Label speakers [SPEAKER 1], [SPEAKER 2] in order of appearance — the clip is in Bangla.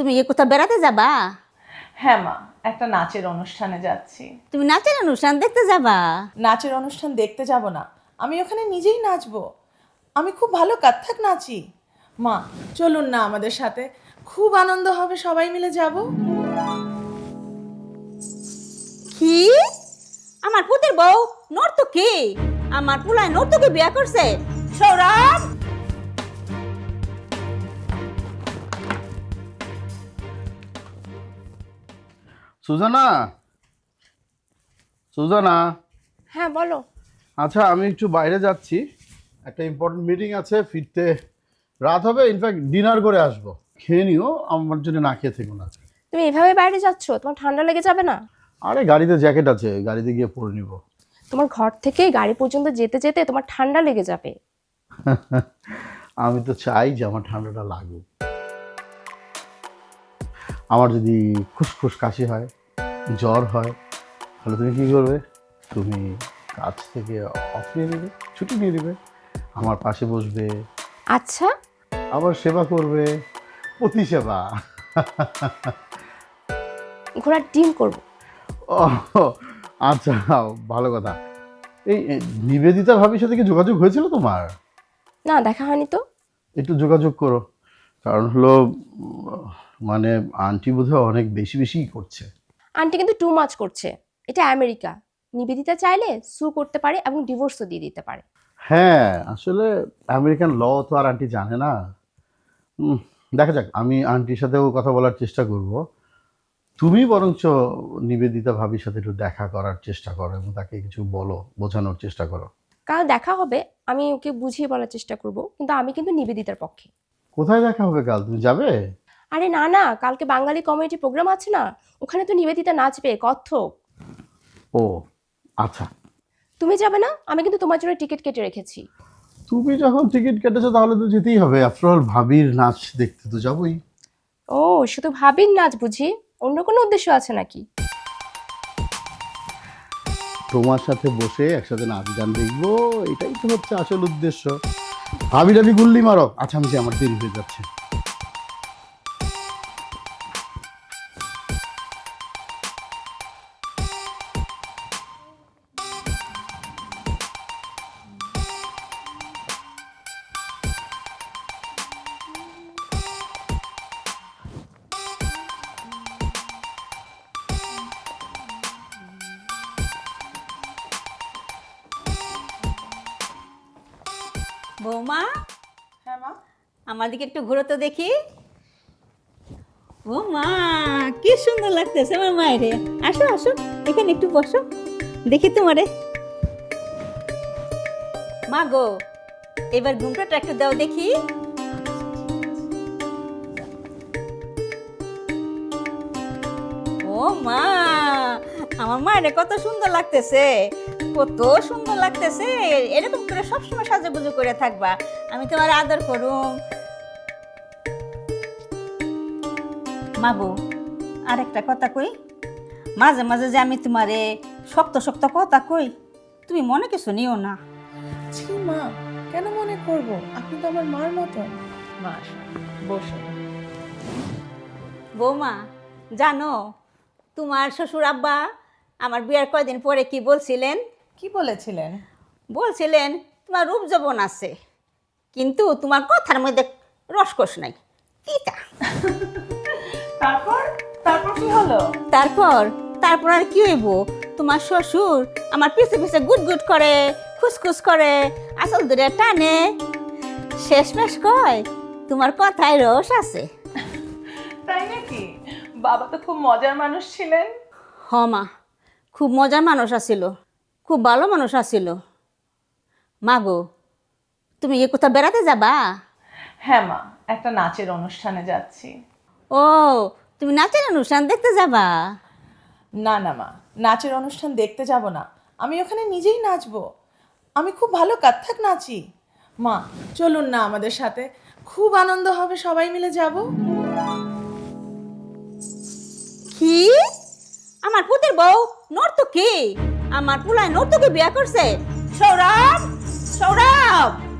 [SPEAKER 1] তুমি কোথাও বেড়াতে যাবা?
[SPEAKER 2] হ্যাঁ মা, একটা নাচের অনুষ্ঠানে যাচ্ছি।
[SPEAKER 1] তুমি নাচের অনুষ্ঠান দেখতে যাবা?
[SPEAKER 2] নাচের অনুষ্ঠান দেখতে যাব না, আমি ওখানে নিজেই নাচবো। আমি খুব ভালো কত্থক নাচি। মা চলুন না আমাদের সাথে, খুব আনন্দ হবে, সবাই মিলে যাব।
[SPEAKER 1] কি? আমার পুতের বউ নর্তকী? আমার পুলায় নর্তকী বিয়া করছে? সৌরভ!
[SPEAKER 3] সুজানা, সুজানা।
[SPEAKER 4] হ্যাঁ বলো।
[SPEAKER 3] আচ্ছা, আমি একটু বাইরে যাচ্ছি, একটা ইম্পর্টেন্ট মিটিং আছে, ফিরতে রাত হবে। ইনফ্যাক্ট ডিনার করে আসবো, খেয়ে নিও, আমার জন্য না খেয়ে থেকো না।
[SPEAKER 4] তুমি এভাবে বাইরে যাচ্ছ, তোমার ঠান্ডা লেগে যাবে না?
[SPEAKER 3] আরে গাড়িতে জ্যাকেট আছে, গাড়িতে গিয়ে পরে নিব।
[SPEAKER 4] তোমার ঘর থেকে গাড়ি পর্যন্ত যেতে যেতে তোমার ঠান্ডা লেগে যাবে।
[SPEAKER 3] আমি তো চাই যে আমার ঠান্ডাটা লাগুক। আমার যদি খুসখুস কাশি হয়, জ্বর হয়, তাহলে তুমি কী করবে? তুমি কাজ থেকে অফ নিয়ে নেবে, ছুটি নিয়ে নেবে, আমার পাশে বসবে,
[SPEAKER 4] আচ্ছা,
[SPEAKER 3] আবার সেবা করবে, অতি সেবা।
[SPEAKER 4] ঘোড়ার ডিম করব।
[SPEAKER 3] ও আচ্ছা, ভালো কথা। এই নিবেদিতা ভাবির সাথে কি যোগাযোগ হয়েছিল তোমার?
[SPEAKER 4] না, দেখা হয়নি তো।
[SPEAKER 3] একটু যোগাযোগ করো, কারণ হলো মানে আন্টি বোধহয় অনেক বেশি বেশিই করছে।
[SPEAKER 4] আন্টি কিন্তু টু মাচ করছে। এটা আমেরিকা, নিবেদিতা চাইলে সু করতে পারে এবং ডিভোর্সও দিয়ে দিতে পারে।
[SPEAKER 3] হ্যাঁ, আসলে আমেরিকান ল তো আর আন্টি জানে না। দেখা যাক, আমি আন্টির সাথেও কথা বলার চেষ্টা করব। তুমি বরঞ্চ নিবেদিতা ভাবির সাথে একটু দেখা করার চেষ্টা করো এবং তাকে কিছু বলো, বোঝানোর চেষ্টা করো।
[SPEAKER 4] কাল দেখা হবে, আমি ওকে বুঝিয়ে বলার চেষ্টা করব, কিন্তু আমি কিন্তু নিবেদিতার পক্ষে।
[SPEAKER 3] কোথায় দেখা হবে কাল, তুমি যাবে?
[SPEAKER 4] আরে না না, কালকে বাঙালি কমিউনিটি প্রোগ্রাম আছে না, ওখানে তো নিবেদিতা নাচবে কত্থক।
[SPEAKER 3] ও আচ্ছা,
[SPEAKER 4] তুমি যাবে না? আমি কিন্তু তোমার জন্য টিকিট কেটে রেখেছি।
[SPEAKER 3] তুমি যখন টিকিট কেটেছো তাহলে তো যেতেই হবে, আফটার অল ভাবির নাচ দেখতে তো যাবোই।
[SPEAKER 4] ও, শুধু ভাবির নাচ বুঝি? অন্য কোনো উদ্দেশ্য আছে নাকি?
[SPEAKER 3] তোমার সাথে বসে একসাথে নাচ গান দেখবো, এটাই তো হচ্ছে আসল উদ্দেশ্য। ভাবি টাবি গুল্লি মারো। আচ্ছা, আমি যে আমার দেরি হয়ে যাচ্ছে।
[SPEAKER 1] বৌমা,
[SPEAKER 2] হ্যাঁ মা।
[SPEAKER 1] আমার দিকে একটু ঘুরো তো দেখি। ও মা, কি সুন্দর লাগতেছে আমার মায়েরে। আসো আসো, এখানে একটু বসো, দেখি তোমারে। মা গো, এবার ঘুমটাটা একটু দাও দেখি। ও মা, আমার মায়েরে কত সুন্দর লাগতেছে, কত সুন্দর লাগতেছে। এরকম করে সবসময় সাজুগুজু করে থাকবা, আমি তোমার আদর করুম। মাগো, আর একটা কথা কই, মাঝে মাঝে যে আমি তোমারে শক্ত শক্ত কথা কই, তুমি মনে কিছু নিও না।
[SPEAKER 2] ছি মা, কেন মনে করব? আপনি তো আমার মার মতন। মা আসো, বসো।
[SPEAKER 1] বৌমা, জানো তোমার শ্বশুর আব্বা আমার বিয়ার কয়দিন পরে কি বলছিলেন?
[SPEAKER 2] কি বলেছিলেন?
[SPEAKER 1] বলছিলেন তোমার রূপ যৌবন আছে, কিন্তু তোমার কথার মধ্যে রসকস নাই, তিতা।
[SPEAKER 2] তারপর তারপর কি হলো?
[SPEAKER 1] তারপর তারপর আর কি হইব, তোমার শ্বশুর আমার পিছে পিছে গুট গুট করে, খুসখুস করে, আসল ধরে টানে, শেষমেশ কয় তোমার কথায় রস আছে।
[SPEAKER 2] তাই নাকি? বাবা তো খুব মজার মানুষ ছিলেন।
[SPEAKER 1] হ মা, খুব মজার মানুষ আছিল, খুব ভালো মানুষ আছিল। মা গো, তুমি কোথাও বেড়াতে যাবা?
[SPEAKER 2] হ্যাঁ মা, একটা নাচের অনুষ্ঠানে যাচ্ছি।
[SPEAKER 1] ও, তুমি নাচের অনুষ্ঠান দেখতে যাবা?
[SPEAKER 2] না না মা, নাচের অনুষ্ঠান দেখতে যাব না, আমি ওখানে নিজেই নাচবো। আমি খুব ভালো কত্থক নাচি। মা চলুন না আমাদের সাথে, খুব আনন্দ হবে, সবাই মিলে যাব।
[SPEAKER 1] কি? আমার পুতের বউ নর্তকী? আমার পুলায় নর্তকী বিয়া করছে? সৌরভ! সৌরভ!